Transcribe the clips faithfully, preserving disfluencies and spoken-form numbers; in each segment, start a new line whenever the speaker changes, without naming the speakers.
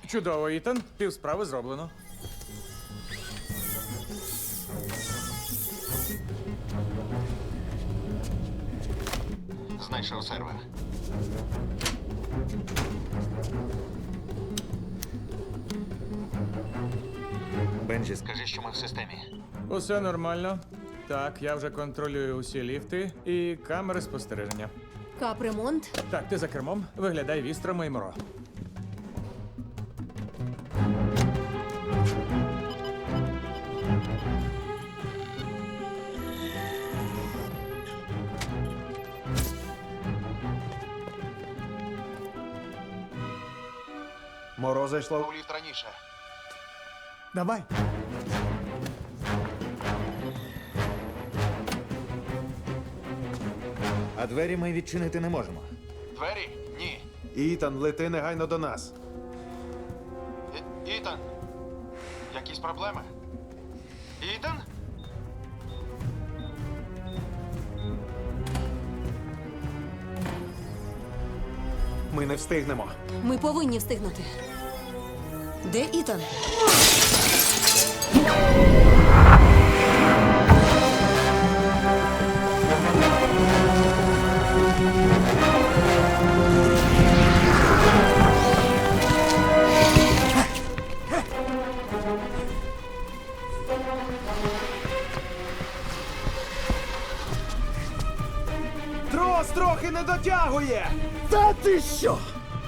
Чудово, Ітан. Півсправи зроблено.
Знайшов сервер. Бенджі, скажи, що ми в системі.
Усе нормально. Так, я вже контролюю усі ліфти і камери спостереження.
Капремонт.
Так, ти за кермом. Виглядай вістрами і моро.
Моро зайшло.
У ліфт раніше.
Давай.
А двері ми відчинити не можемо.
Двері? Ні.
Ітан, лети негайно до нас.
І- Ітан? Якісь проблеми? Ітан?
Ми не встигнемо.
Ми повинні встигнути. Де Ітан?
Трос трохи не дотягує!
Та ти що?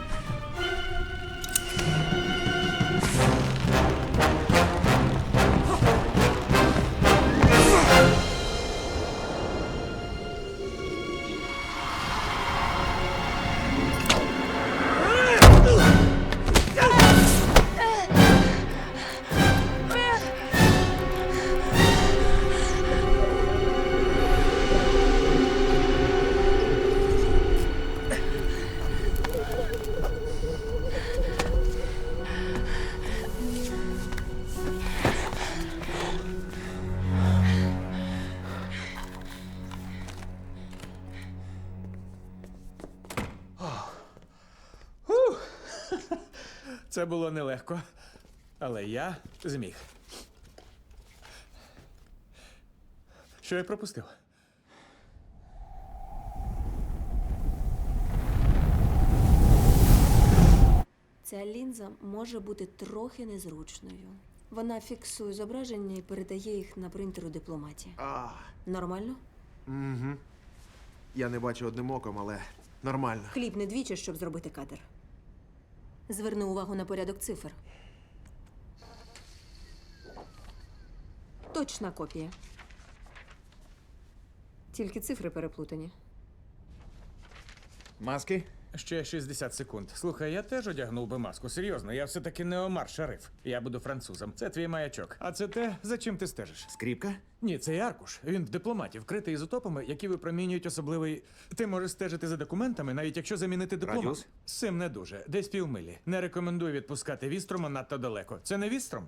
Це було нелегко, але я зміг. Що я пропустив?
Ця лінза може бути трохи незручною. Вона фіксує зображення і передає їх на принтер у дипломаті.
А,
Нормально?
я не бачу одним оком, але нормально.
Кліпни двічі, щоб зробити кадр. Зверни увагу на порядок цифр. Точна копія. Тільки цифри переплутані.
Маски?
Ще шістдесят секунд. Слухай, я теж одягнув би маску. Серйозно, я все-таки не Омар Шариф. Я буду французом. Це твій маячок. А це те, за чим ти стежиш.
Скріпка?
Ні, це аркуш. Він в дипломаті, вкритий ізотопами, які випромінюють особливий. Ти можеш стежити за документами, навіть якщо замінити дипломат.
Радіус?
З цим не дуже. Десь півмилі. Не рекомендую відпускати вістрома надто далеко. Це не вістром?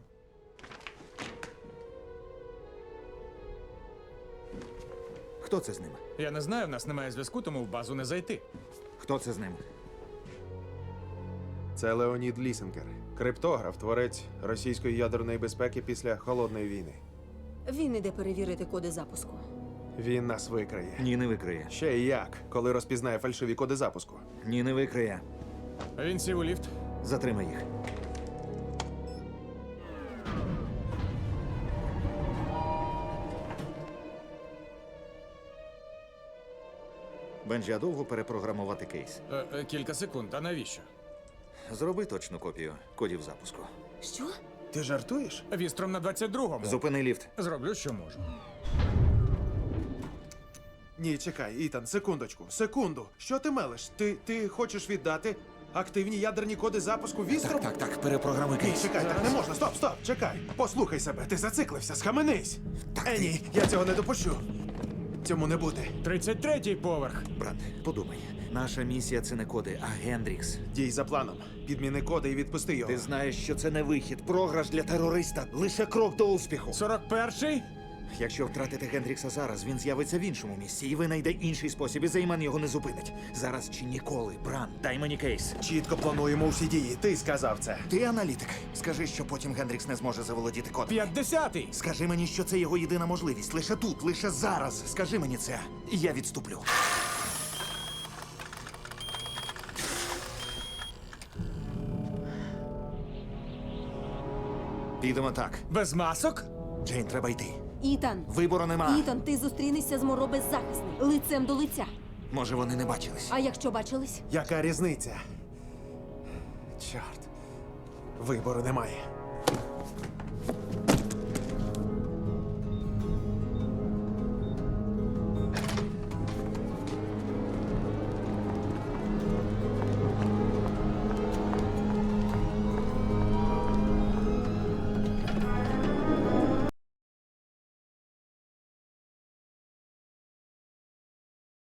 Хто це з ним?
Я не знаю, в нас немає зв'язку, тому в базу не зайти.
Хто це з ним?
Це Леонід Лісенкер. Криптограф, творець російської ядерної безпеки після Холодної війни.
Він іде перевірити коди запуску.
Він нас викриє.
Ні, не викриє.
Ще й як, коли розпізнає фальшиві коди запуску.
Ні, не викриє.
Він сів у ліфт.
Затримай їх. Бенджі, а довго перепрограмувати кейс?
Е, е, кілька секунд. А навіщо?
Зроби точну копію кодів запуску.
Що?
Ти жартуєш?
Вістром на двадцять другому.
Зупини ліфт.
Зроблю, що можу.
Ні, чекай, Ітан, секундочку, секунду. Що ти мелиш? Ти, ти хочеш віддати активні ядерні коди запуску вістром?
Так, так, перепрограмуй
Ні,
кейс.
чекай, так не можна. Стоп, стоп, чекай. Послухай себе, ти зациклився, схаменись. Е, ні, я цього не допущу. Цьому не бути.
тридцять третій поверх.
Брат, подумай. Наша місія це не коди, а Гендрікс.
Дій за планом. Підміни коди і відпусти його.
Ти знаєш, що це не вихід. Програш для терориста. Лише крок до успіху.
сорок перший?
Якщо втратити Гендрікса зараз, він з'явиться в іншому місці, і винайде інший спосіб, і Зейман його не зупинить. Зараз чи ніколи. Бран, дай мені кейс.
Чітко плануємо усі дії. Ти сказав це.
Ти аналітик. Скажи, що потім Гендрікс не зможе заволодіти кодом.
П'ятдесятий!
Скажи мені, що це його єдина можливість. Лише тут, лише зараз. Скажи мені це, і я відступлю. Підемо так.
Без масок?
Джейн, треба йти.
Ітан!
Вибору нема.
Ітан, ти зустрінешся з Моро беззахисним, лицем до лиця.
Може, вони не бачились.
А якщо бачились?
Яка різниця? Чорт. Вибору немає.